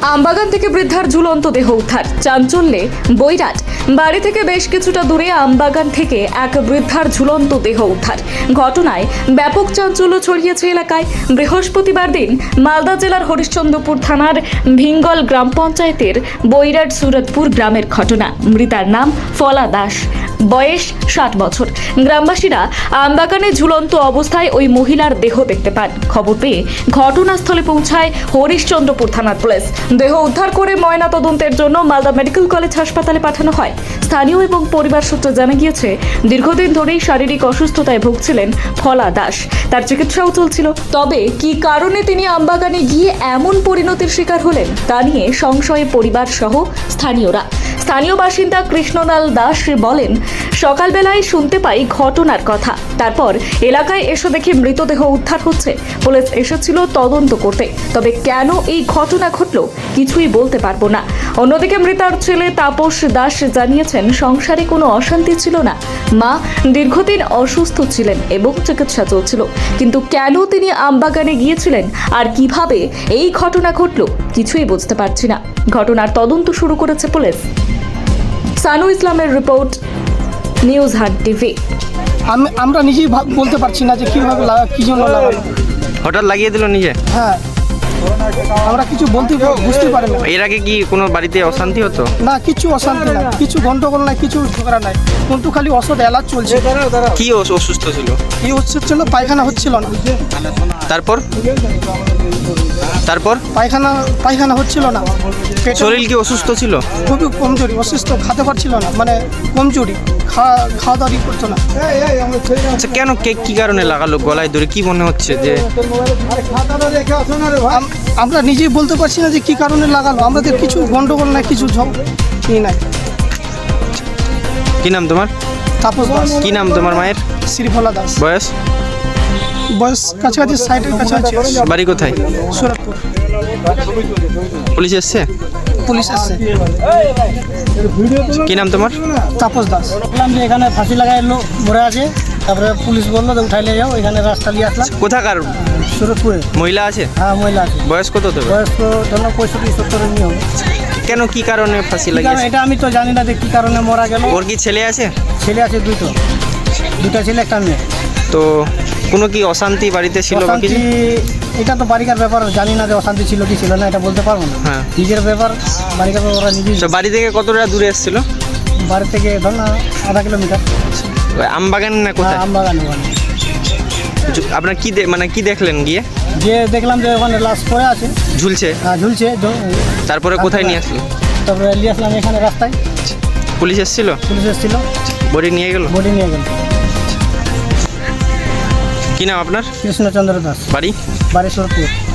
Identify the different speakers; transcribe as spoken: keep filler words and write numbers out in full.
Speaker 1: আমবাগান থেকে বৃদ্ধার ঝুলন্ত দেহ উদ্ধার, চাঞ্চল্যে বৈরাট। বাড়ি থেকে বেশ কিছুটা দূরে আমবাগান থেকে এক বৃদ্ধার ঝুলন্ত দেহ উদ্ধার ঘটনায় ব্যাপক চাঞ্চল্য ছড়িয়েছে এলাকায়। বৃহস্পতিবার দিন মালদা জেলার হরিশ্চন্দ্রপুর থানার ভিঙ্গল গ্রাম পঞ্চায়েতের বৈরাট সুরতপুর গ্রামের ঘটনা। মৃতার নাম ফলা দাস, বয়স ষাট বছর। গ্রামবাসীরা আমবাগানে ঝুলন্ত অবস্থায় ওই মহিলার দেহ দেখতে পান। খবর পেয়ে ঘটনাস্থলে পৌঁছায় হরিশ্চন্দ্রপুর থানার পুলিশ। দেহ উদ্ধার করে ময়না তদন্তের জন্য মালদা মেডিকেল কলেজ হাসপাতালে পাঠানো হয়। স্থানীয় এবং পরিবার সূত্রে জানা গিয়েছে, দীর্ঘদিন ধরেই শারীরিক অসুস্থতায় ভুগছিলেন ফলা দাস। তার চিকিৎসাও চলছিল। তবে কি কারণে তিনি আমবাগানে গিয়ে এমন পরিণতির শিকার হলেন তা নিয়ে সংশয়ে পরিবার সহ স্থানীয়রা। স্থানীয় বাসিন্দা কৃষ্ণলাল দাস বলেন, সকালবেলায় শুনতে পাই ঘটনার কথা। তারপর এলাকায় এসে দেখি মৃতদেহ উদ্ধার হচ্ছে। পুলিশ এসেছিল তদন্ত করতে, তবে কেন এই ঘটনা ঘটল কিছুই বলতে পারবো না। অন্যদিকে মৃতার ছেলে তাপস দাস জানিয়েছেন, সংসারে কোনো অশান্তি ছিল না। মা দীর্ঘদিন অসুস্থ ছিলেন এবং চিকিৎসা চলছিল, কিন্তু কেন তিনি আমবাগানে গিয়েছিলেন আর কিভাবে এই ঘটনা ঘটল কিছুই বুঝতে পারছি না। ঘটনার তদন্ত শুরু করেছে পুলিশ। সানু ইসলামের রিপোর্ট, নিউজ হাট টিভি।
Speaker 2: আমি আমরা নিজেই ভাব- বলতে পারছি না যে কীভাবে লাগা, কী জন্য লাগালো।
Speaker 3: হঠাৎ লাগিয়ে দিল নিজে?
Speaker 2: হ্যাঁ, আমরা কিছু বলতে বুঝতে পারি না।
Speaker 3: এর আগে কি কোনো বাড়িতে অশান্তি হতো?
Speaker 2: না, কিছু অশান্তি না, কিছু গন্ডগোল নাই, কিছু ঝগড়া নাই, কিন্তু খালি ওষুধ এলাচ চলছে।
Speaker 3: কি অস- অসুস্থ ছিল?
Speaker 2: কি হচ্ছিল, পায়খানা হচ্ছিল না।
Speaker 3: তারপর তারপর
Speaker 2: পায়খানা পায়খানা হচ্ছিল না। পেটে
Speaker 3: শরীর কি অসুস্থ ছিল?
Speaker 2: খুবই কমজোরি, অসুস্থ, খেতে পারছিল না, মানে কমজোরি, খাওয়া খাওয়া দাওয়া করতো না।
Speaker 3: আচ্ছা, কেন কে কি কারণে লাগালো গলায় ধরে? কি মনে হচ্ছে যে
Speaker 2: আম- আমরা নিজেই বলতে পারছি না যে কী কারণে লাগালো। আমাদের কিছু গন্ডগোল নাই, কিছু ঝগ ই নাই।
Speaker 3: কি নাম তোমার?
Speaker 2: তাপস দাস।
Speaker 3: কি নাম তোমার মায়ের?
Speaker 2: শ্রীফলা দাস।
Speaker 3: বয়স?
Speaker 2: বয়স কাছাকাছি সাইডের কাছাকাছি।
Speaker 3: বাড়ি কোথায়?
Speaker 2: সুরতপুর।
Speaker 3: পুলিশ এসছে?
Speaker 2: পুলিশ এসছে।
Speaker 3: কি নাম তোমার?
Speaker 2: তাপস দাস।
Speaker 4: দেখলাম যে এখানে ফাঁসি লাগাই লোক মরে আছে, তারপরে পুলিশ বললো যে উঠাইলে যাও, এখানে রাস্তা নিয়ে আসলাম।
Speaker 3: কোথাকার
Speaker 4: সুরতপুরে।
Speaker 3: মহিলা আছে?
Speaker 4: হ্যাঁ, মহিলা আছে।
Speaker 3: বয়স কত তবে?
Speaker 4: বয়স তো ধরো পঁয়ষট্টি সত্তরের নিয়ে হবে।
Speaker 3: কেন কি কারণে ফাঁসি
Speaker 4: কারণ
Speaker 3: লাগিয়েছে?
Speaker 4: এটা আমি তো জানি না যে কী কারণে মারা গেল।
Speaker 3: ওর কি ছেলে আছে?
Speaker 4: ছেলে আছে দুটো, দুটা ছেলে একটা মেয়ে।
Speaker 3: তো কোনো কি অশান্তি বাড়িতে ছিল বা
Speaker 4: অশান্তি
Speaker 3: কিছু?
Speaker 4: এটা তো বাড়িকার ব্যাপার, জানি না যে অশান্তি ছিল কি ছিল না, এটা বলতে পারবো না।
Speaker 3: হ্যাঁ।
Speaker 4: নিজের ব্যাপার, বাড়িকার ব্যাপার ওরা নিজেই।
Speaker 3: তো বাড়ি থেকে কতটা দূরে এসেছিল?
Speaker 4: বাড়ি থেকে ধর না আধা কিলোমিটার।
Speaker 3: ওই আমবাগান না কোথায়?
Speaker 4: আমবাগান। ওখানে
Speaker 3: জু- আপনার কি দে- মানে কি দেখলেন গিয়ে?
Speaker 4: যে দেখলাম যে ওখানে লাশ পড়ে আছে,
Speaker 3: ঝুলছে?
Speaker 4: আহ, ঝুলছে। জ-
Speaker 3: তারপরে কোথায় নিয়ে আসলো?
Speaker 4: তারপরে নিয়ে আসলাম এখানে রাস্তায়।
Speaker 3: পুলিশ এসেছিল?
Speaker 4: পুলিশ এসেছিল,
Speaker 3: বডি নিয়ে গেল?
Speaker 4: বডি নিয়ে গেল।
Speaker 3: কি নাম আপনার?
Speaker 4: কৃষ্ণচন্দ্র দাস,
Speaker 3: বাড়ি?
Speaker 4: বাড়ি সুরতপুর।